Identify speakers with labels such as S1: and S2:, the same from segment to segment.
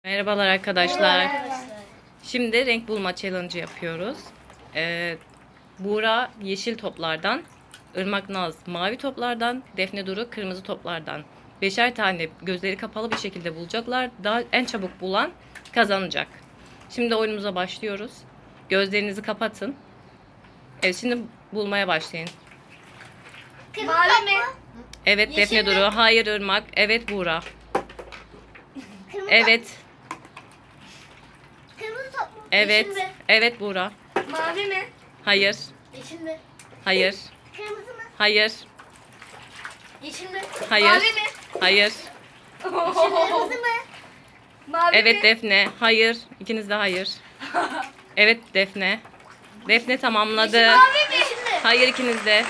S1: Merhabalar arkadaşlar.
S2: Arkadaşlar.
S1: Şimdi renk bulma challenge yapıyoruz. Buğra yeşil toplardan, Irmak Naz mavi toplardan, Defne Duru kırmızı toplardan. Beşer tane gözleri kapalı bir şekilde bulacaklar. Daha en çabuk bulan kazanacak. Şimdi oyunumuza başlıyoruz. Gözlerinizi kapatın. Evet, şimdi bulmaya başlayın.
S2: Mavi mi?
S1: Evet
S2: Yeşil
S1: Defne
S2: mi?
S1: Duru, hayır Irmak, evet Buğra.
S2: Kırmızı.
S1: Evet,
S2: Kırmızı top mu?
S1: evet,
S2: Yeşil mi?
S1: evet Buğra.
S2: Mavi mi?
S1: Hayır,
S2: Yeşil mi?
S1: hayır,
S2: Kırmızı mı?
S1: hayır,
S2: Yeşil mi?
S1: hayır,
S2: Mavi mi?
S1: hayır.
S2: Kırmızı mı? Mavi
S1: Evet
S2: mi?
S1: Defne. Hayır. İkiniz de hayır. Evet Defne. Defne tamamladı.
S2: Mavi mi? Yeşil mi?
S1: Hayır ikiniz de.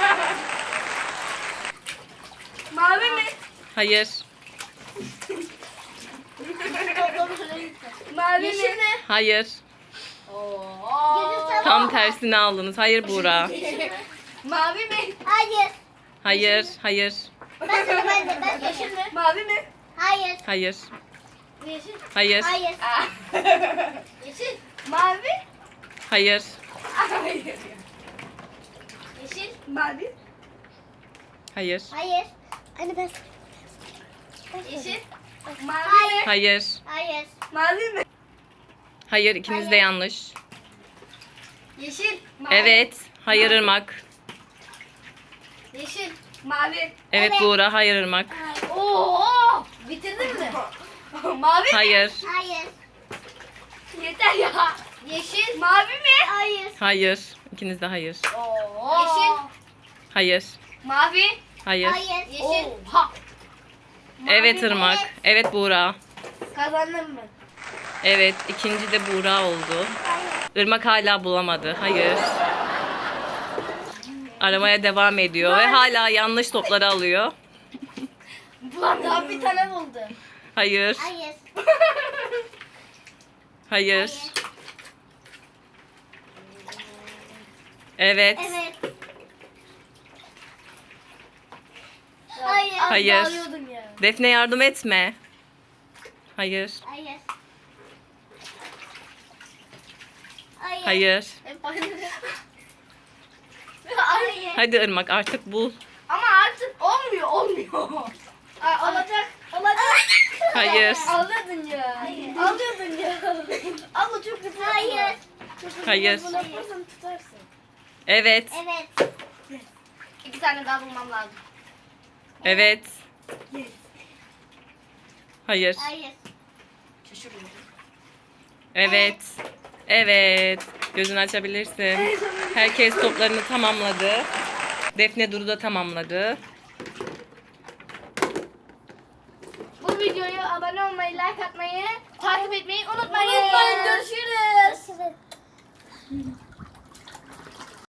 S2: Mavi mi?
S1: Hayır.
S2: Mavi Yeşil mi?
S1: Hayır. Tam tersini aldınız. Hayır Buğra.
S2: Mavi mi? Hayır.
S1: Hayır. Hayır.
S2: Ben yeşil mi? Mavi mi? Hayır.
S1: Hayır.
S2: Yeşil.
S1: Hayır.
S2: Hayır. Yeşil. Mavi.
S1: Hayır.
S2: Hayır. Yeşil. Mavi.
S1: Hayır.
S2: Hayır. Anne ben. Yeşil. Mavi.
S1: Hayır.
S2: Hayır. Mavi mi?
S1: Hayır. İkiniz de yanlış.
S2: Yeşil. Mavi.
S1: Evet. Hayır Irmak.
S2: Yeşil. Mavi.
S1: Evet Buğra. Hayır Irmak.
S2: Oo! Bitirdin mi? Mavi mi?
S1: Hayır.
S2: Hayır. Yeter ya. Yeşil. Mavi mi? Hayır.
S1: Hayır. İkiniz de hayır.
S2: Yeşil.
S1: Hayır.
S2: Mavi.
S1: Hayır.
S2: Yeşil. Oha.
S1: Evet Irmak. Evet Buğra.
S2: Kazandın mı?
S1: Evet. İkinci de Buğra oldu. Irmak hala bulamadı. Hayır. Aramaya devam ediyor ve hala yanlış topları alıyor.
S2: Daha bir tane buldu.
S1: Hayır.
S2: Hayır.
S1: Hayır. Evet.
S2: Evet. Hayır.
S1: Hayır.
S2: Bağlıyordum ya.
S1: Defne yardım etme. Hayır.
S2: Hayır.
S1: Hayır.
S2: Hayır.
S1: Hadi Irmak artık bul.
S2: Ama artık olmuyor. Olacak.
S1: Hayır.
S2: Alıyordun ya. Alıyordun ya. Abla çok güzel. Hayır.
S1: Hayır.
S2: Bunu yaparsan tutarsın.
S1: Evet.
S2: Evet. 2 tane daha bulmam lazım.
S1: Evet. Hayır.
S2: Hayır. Şaşırıyorum.
S1: Evet. Evet. Gözünü açabilirsin. Herkes toplarını tamamladı. Defne Duru da tamamladı.
S2: Bu videoya abone olmayı, like atmayı, takip etmeyi unutmayın. Görüşürüz.